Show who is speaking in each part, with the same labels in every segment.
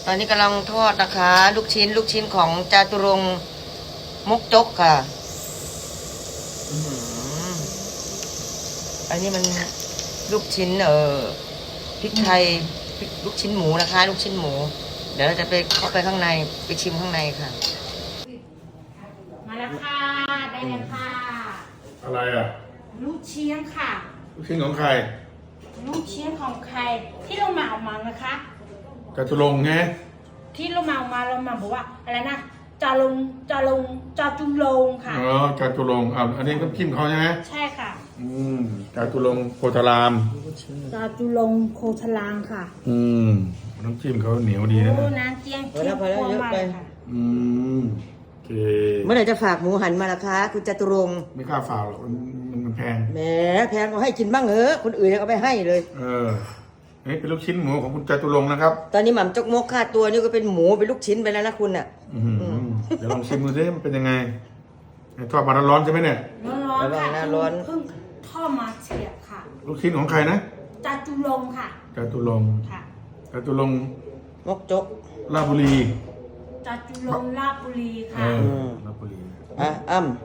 Speaker 1: ตอนนี้กำลังทอดนะคะ ลูกชิ้นของจาตุรงค์มกจกค่ะอื้อหืออันนี้มันลูกชิ้นพริกไทยลูกชิ้นหมูนะคะ ลูกชิ้นหมู เดี๋ยวเราจะไปเข้าไปข้างในไปชิมข้างในค่ะ
Speaker 2: มาแล้วค่ะได้แล้วค่ะ
Speaker 3: อะไรอ่ะ
Speaker 2: ลูกเชียงค่ะ
Speaker 3: ลูกชิ้นของใคร
Speaker 2: ลูกเชียงของใครที่เรามาเอามานะคะ
Speaker 3: จตุรงค์ไง
Speaker 2: ที่เรามาเอามาเรามาบอกว่าอะไรนะจาจุลงค่ะ
Speaker 3: อ๋อจตุรงค์อันนี้น้ำจิ้มเขาใช่ไหม
Speaker 2: ใช่ค่ะ
Speaker 3: จตุรงค์โพธาราม
Speaker 2: จาจุลงโคทลางค่ะ
Speaker 3: น้ำจิ้มเขาเหนียวดีนะ
Speaker 2: โอ้น้ำเจียง
Speaker 1: พอแล้วเยอะไป
Speaker 2: ค่ะ
Speaker 3: โอเค
Speaker 1: เมื่อไหร่จะฝากหมูหันมาล่ะคะคุณจตุรงค์
Speaker 3: ไม่กล้าฝ่าหรอกมันแพง
Speaker 1: แหมแพงก็ให้กินบ้างเถอะคนอื่นยังเอาไปให้เลย
Speaker 3: นี่เป็นลูกชิ้นหมูของคุณจตุรงค์นะครับ
Speaker 1: ตอนนี้หม่ำจกมกค่าตัวนี่ก็เป็นหมูเป็นลูกชิ้นไปแล้วนะคุณอ่ะ
Speaker 3: เดี๋ยวลองชิมดูสิมันเป็นยังไงทอดมาร้อนๆใช่ไหมเนี่ย
Speaker 2: ร้อนๆค่ะ
Speaker 1: ระวังนะร้อน
Speaker 2: เพิ่งทอดมาเฉียบค่ะ
Speaker 3: ลูกชิ้นของใครนะ
Speaker 2: จาจุลงค่ะ
Speaker 3: จตุรงค์
Speaker 2: ค่ะ
Speaker 3: จตุรงค์
Speaker 1: มกจก
Speaker 3: ราชบุรี
Speaker 2: จาจุลงลาชบุรีค่ะ
Speaker 3: ราชบุรี
Speaker 1: อ้ำ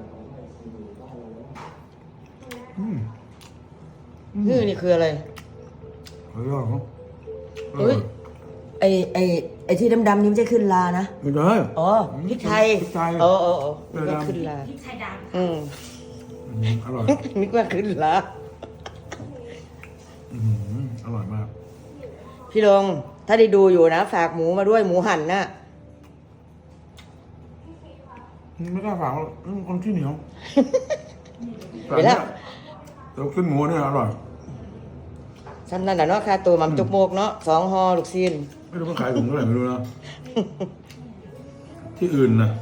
Speaker 1: นี่คืออะไร
Speaker 3: เฮ้ยเหรอ
Speaker 1: เฮ้ยไอที่ดำๆนี่ไม่ใช่ขึ้นลานะ
Speaker 3: ไม่ได้
Speaker 1: อ๋อพริกไทย
Speaker 3: พริกไทย
Speaker 1: อ๋อ
Speaker 3: พริ
Speaker 1: นึ
Speaker 3: ก
Speaker 1: ก
Speaker 3: ไทย
Speaker 1: ว่าขึ้นลา
Speaker 2: พริกไทยดำ
Speaker 3: อร่อย
Speaker 1: นึกว่าขึ้นลา
Speaker 3: อร่อยมาก
Speaker 1: พี่ลงถ้าได้ดูอยู่นะฝากหมูมาด้วยหมูหั่นนะ
Speaker 3: ไม่กล้าฝากคนที่เหนียว
Speaker 1: เดี๋ยวแล้ว
Speaker 3: แต่ขึ้นหมูเนี่ยอร่อย
Speaker 1: ซ้ำนั่นแหละเนาะค่าตัวหม่ำจกมกเนาะ2 ห่อลูกชิ้น
Speaker 3: ไม่รู้เขาขายถุงเท่าไหร่ไม่รู้นะ ที่อื่นนะ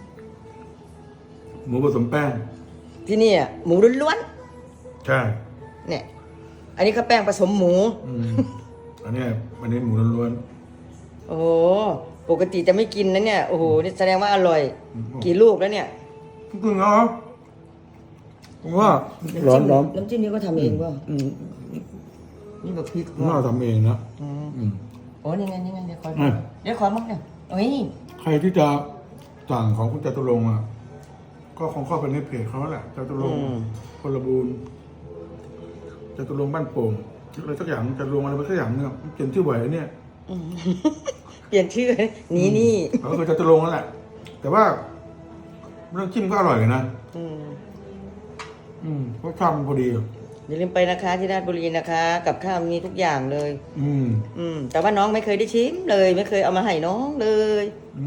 Speaker 3: หมูผสมแป้ง
Speaker 1: ที่นี่อ่ะหมูล้วน
Speaker 3: ใช่
Speaker 1: ๆเนี่ย อันนี้เขาแป้งผสมหมู
Speaker 3: อันนี้หมูล้วน
Speaker 1: โอ้โหปกติจะไม่กินนะเนี่ยโอ้โหนี่แสดงว่าอร่อย กี่ลูกแล้วเนี่ย
Speaker 3: ๆจริงเหรอผมว่าร้อน
Speaker 1: น้ำจิ้มนี้ก็ทำเองป่ะนี่แบบพริก
Speaker 3: น่าทำเองนะ
Speaker 1: โอ้นี่ไงเดี๋ยวขอ
Speaker 3: อืม
Speaker 1: เดี๋ยวขอมั้งเนี่ยโอ้ย
Speaker 3: ใครที่จะสั่งของคุณจตุรงค์อ่ะ ก็คงเข้าไปในเพจเขาแหละจตุรงค์พลบูรณ์จตุรงค์บ้านโป่งอะไรสักอย่างจตุรงค์อะไรสักอย่างเนี่ยเปลี่ยนชื่อบ่อยนะเนี่ย
Speaker 1: เปลี่ยนชื่อนี่
Speaker 3: เขาก็คือจตุรงค์นั่นแหละ แต่ว่าเรื่องจิ้มก็อร่อยนะรสชาติมันพอดีอ่ะ
Speaker 1: อย่าลืมไปนะคะที่ราชบุรีนะคะ กับข้าวมีทุกอย่างเลย
Speaker 3: อืม
Speaker 1: แต่ว่าน้องไม่เคยได้ชิมเลย ไม่เคยเอามาให้น้องเลย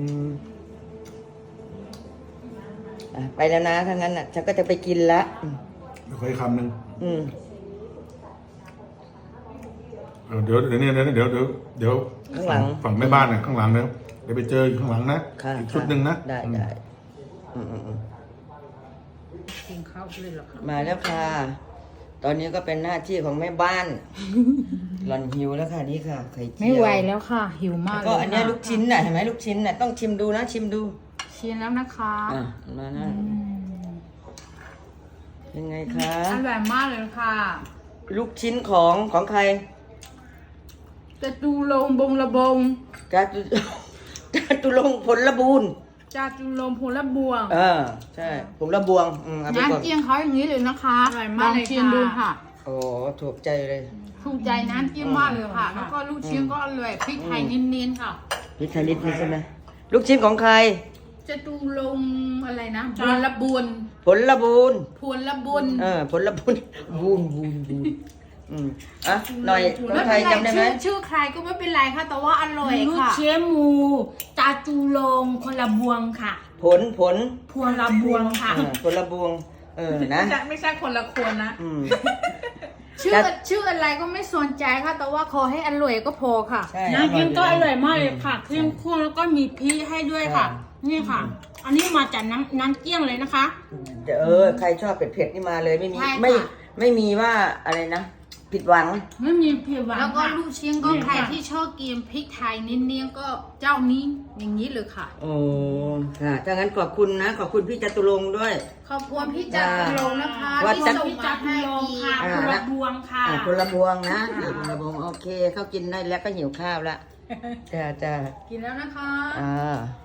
Speaker 1: ไปแล้วนะถ้างั้นอ่ะฉันก็จะไปกินละ
Speaker 3: เดี๋ยวขออีกคำหนึ่ง เดี๋ยว
Speaker 1: ข้างหลัง
Speaker 3: ฝั่งแม่บ้านน่ะข้างหลังเดี๋ยวไปเจออยู่ข้างหลังนะ
Speaker 1: ค่ะ
Speaker 3: อีกชุดหนึ่งนะ
Speaker 1: ได้
Speaker 2: กินข้าวเลยเหรอคะ
Speaker 1: มาแล้วค่ะ ตอนนี้ก็เป็นหน้าที่ของแม่บ้าน หล่อนหิวแล้วค่ะนี่ค่ะไข่เจียว
Speaker 4: ไม่ไหวแล้วค่ะ หิวมาก
Speaker 1: ก็อันเนี้ยลูกชิ้นน่ะเห็นไหมลูกชิ้นน่ะต้องชิมดูนะชิมดู
Speaker 4: ชิมแล้วนะคะ
Speaker 1: มานะยังไงคะ
Speaker 4: อร่อยมากเลยค่ะ
Speaker 1: ลูกชิ้นของใคร
Speaker 4: จะจูลงบงระบง
Speaker 1: จาตุจาตุรงค์ผลบูรณ์
Speaker 4: จาจูลงพลบวง
Speaker 1: ใช่ผลบวงเอาไปก่อน
Speaker 4: น้ำเจียงเขาอย่างนี้เลยนะคะ
Speaker 2: อร่อยมากเลย
Speaker 4: ลองชิมดูค่ะ
Speaker 1: โอ้ถูกใจเลย
Speaker 4: ถูกใจน้ำเจียงมากเลยค่ะ แล้วก็ลูกชิ้นก็อร่อยพริกไทยเน้นๆค่ะ
Speaker 1: นี่ชนิดนี้ใช่ไหมลูกชิ้นของใคร
Speaker 4: จะจูลงอะไรนะพลบุญ
Speaker 1: ผลบูรณ์
Speaker 4: พลบุญ
Speaker 1: ผลบุญบูนหน่อยน้
Speaker 4: ไม่
Speaker 1: องไท
Speaker 4: เป็
Speaker 1: ย
Speaker 4: นไร
Speaker 1: จำได้ไหม
Speaker 4: ชื่อใครก็ไม่เป็นไรค่ะ แต่ว่าอร่อย
Speaker 2: ลูก
Speaker 4: ค่ะ
Speaker 2: เชียงหมูจาจุลงคนละบวงค่ะ
Speaker 1: ผล
Speaker 2: พวงละบวงค่ะ
Speaker 1: ผลบวงนะ
Speaker 4: ไม่ใช่คนละคนนะ
Speaker 1: อืม
Speaker 4: ชื่ออะไรก็ไม่สนใจค่ะ แต่ว่าขอให้อร่อยก็พอค่ะ
Speaker 1: ใช่
Speaker 2: น้ำจิ้มก็อร่อยมากเลยค่ะเข้มข้นแล้วก็มีพริกให้ด้วยค่ะ นี่ค่ะ อันนี้มาจากน้ำเกี้ยงเลยนะคะ
Speaker 1: ใครชอบเผ็ดๆนี่มาเลยไม่มี
Speaker 4: ใช่ค่ะ
Speaker 1: ไม่มีว่าอะไรนะผิดหวัง
Speaker 2: ไม่มีเผ็ดหวาน
Speaker 4: แล้วก็
Speaker 2: ค่ะ
Speaker 4: ลูกชิ้นก็ใครที่ชอบกินพริกไทยเน้นๆก็เจ้านี้อย่างนี้เลยค่ะ
Speaker 1: โอ้ค่ะถ้างั้นขอบคุณนะ ขอบคุณพี่จตุรงค์ด้วย
Speaker 4: ขอบคุณพี่จักรลงนะคะ
Speaker 1: ว่า
Speaker 4: ที่
Speaker 1: จะ
Speaker 4: ส่ง
Speaker 2: พี่
Speaker 4: มา
Speaker 2: จาจุ
Speaker 4: ให้
Speaker 2: ลง
Speaker 4: กิน
Speaker 2: ค่ะคนละบวงค่ะ
Speaker 1: ผลบวงนะผลบวงโอเคเขากินได้แล้วก็หิวข้าวละจ้าจ้า
Speaker 4: กินแล้วนะคะ
Speaker 1: อ่า